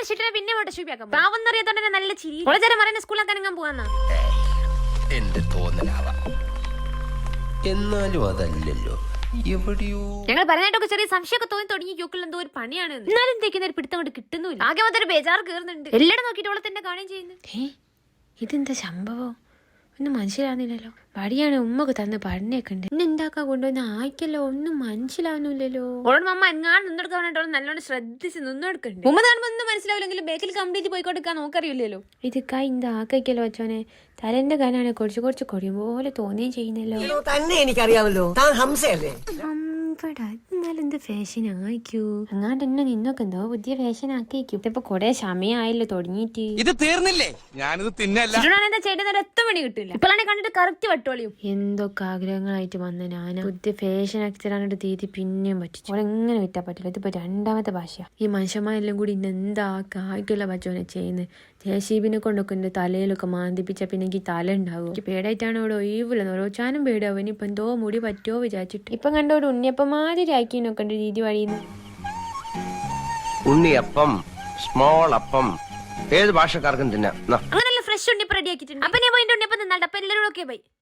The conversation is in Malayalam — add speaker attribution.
Speaker 1: അടിച്ചിട്ട് പിന്നെ ഫോട്ടോഷൂപ്പിയാക്കാം. പാവം അറിയാത്തോണ്ട് നല്ല ചിരി. കോളേജ് പറയുന്ന സ്കൂളാക്കാൻ ഞാൻ പോവാന്നാ.
Speaker 2: എന്റെ തോന്നലാവാം, എന്നാലും അതല്ലല്ലോ എവിടെയോ.
Speaker 1: ഞങ്ങൾ പറഞ്ഞിട്ടൊക്കെ ചെറിയ സംശയമൊക്കെ തോന്നി തുടങ്ങി. യോക്കിൽ എന്തോ ഒരു പണിയാണ്. എന്നാലും എന്തേക്കുന്ന ഒരു പിടുത്തം കൊണ്ട് കിട്ടുന്നില്ല. ആകെ മൊത്തം ബേജാറ് കയറുന്നുണ്ട്. എല്ലാവരും നോക്കിയിട്ട് ഓളെ തന്നെ കാണുകയും ചെയ്യുന്നു. ഇതെന്താ സംഭവം? ഒന്നും മനസ്സിലാവുന്നില്ലല്ലോ. വടിയാണ് ഉമ്മക്ക് തന്ന് പഠനയൊക്കെ ഉണ്ട്. ഇന്ന് എന്താക്കാൻ കൊണ്ടുവന്ന് ആയിക്കല്ലോ, ഒന്നും മനസ്സിലാവുന്നില്ലല്ലോ. ഓളോട് അമ്മ എങ്ങാണ്ട് നിന്നെടുക്കാൻ വേണ്ടിട്ട് നല്ലോണം ശ്രദ്ധിച്ച് നിന്നെടുക്കണ്ട്. ഉമ്മ കാണുമ്പോൾ ഒന്നും മനസ്സിലാവില്ലെങ്കിലും ബേക്കിൽ കംപ്ലീറ്റ് പോയിക്കൊടുക്കാൻ നോക്കറിയില്ലല്ലോ. ഇത് ഇന്ത ആക്കല്ലോ അച്ഛനെ. തലന്റെ കാലാണ് കുറച്ച് കുറച്ച് കൊടിയും പോലെ തോന്നുകയും ചെയ്യുന്നല്ലോ.
Speaker 3: തന്നെ എനിക്കറിയാമല്ലോ, താൻ ഹംസയല്ലേ?
Speaker 1: എന്നാലും എന്ത് ഫാഷൻ ആയിക്കൂ. അങ്ങാണ്ട് എന്നെ നിന്നൊക്കെ എന്തോ പുതിയ ഫാഷൻ ആക്കിയിരിക്കും. ഇതിപ്പോ കൊറേ സമയമായല്ലോ തുടങ്ങിയിട്ട്.
Speaker 2: ഇത് തീർന്നില്ലേ? ഞാനിത് തിന്നല്ല.
Speaker 1: എന്താ ചേട്ടൻ ഒറ്റ പണി കിട്ടില്ല. ഇപ്പോഴാണ് കണ്ടിട്ട് കറക്റ്റ് വട്ടോളിയും. എന്തൊക്കെ ആഗ്രഹങ്ങളായിട്ട് വന്ന ഞാനാ പുതിയ ഫാഷൻ ആക്കിയിട്ട് തീയതി പിന്നെയും പറ്റിച്ചു. അവളെങ്ങനെ വിറ്റാ പറ്റില്ല. ഇതിപ്പോ രണ്ടാമത്തെ ഭാഷയാ. ഈ മനുഷ്യന്മാരെല്ലാം കൂടി ഇന്ന് എന്താ കായ്ക്കുള്ള പച്ചോനെ ചെയ്യുന്നത്. ജേസീബിനെ കൊണ്ടൊക്കെ എന്റെ തലയിലൊക്കെ മാന്തിപ്പിച്ച പിന്നെ എനിക്ക് തല ഉണ്ടാവും. എനിക്ക് പേടായിട്ടാണ് അവിടെ ഒഴിവില്ലെന്ന് ഓരോ ചാനും പേടാവും. ഇനിയിപ്പൊ എന്തോ മുടി പറ്റുമോ വിചാരിച്ചിട്ട്. ഇപ്പൊ കണ്ടോട് ഉണ്ണിയപ്പം മാതിരി ആക്കിനൊക്കെ ഉണ്ട് രീതി വഴിയുന്നു.
Speaker 2: ഉണ്ണിയപ്പം, സ്മോൾ അപ്പം ഏത് ഭാഷക്കാർക്കും തിന്നാം.
Speaker 1: അങ്ങനെയല്ല ഫ്രഷ് ഉണ്ണിയപ്പം റെഡി ആക്കിയിട്ടുണ്ട്. അപ്പൊ ഞാൻ പോയിട്ട് ഉണ്ണിയപ്പം തിന്നാണ്ട്. അപ്പൊ എല്ലാവരും ഓക്കെ ബൈ.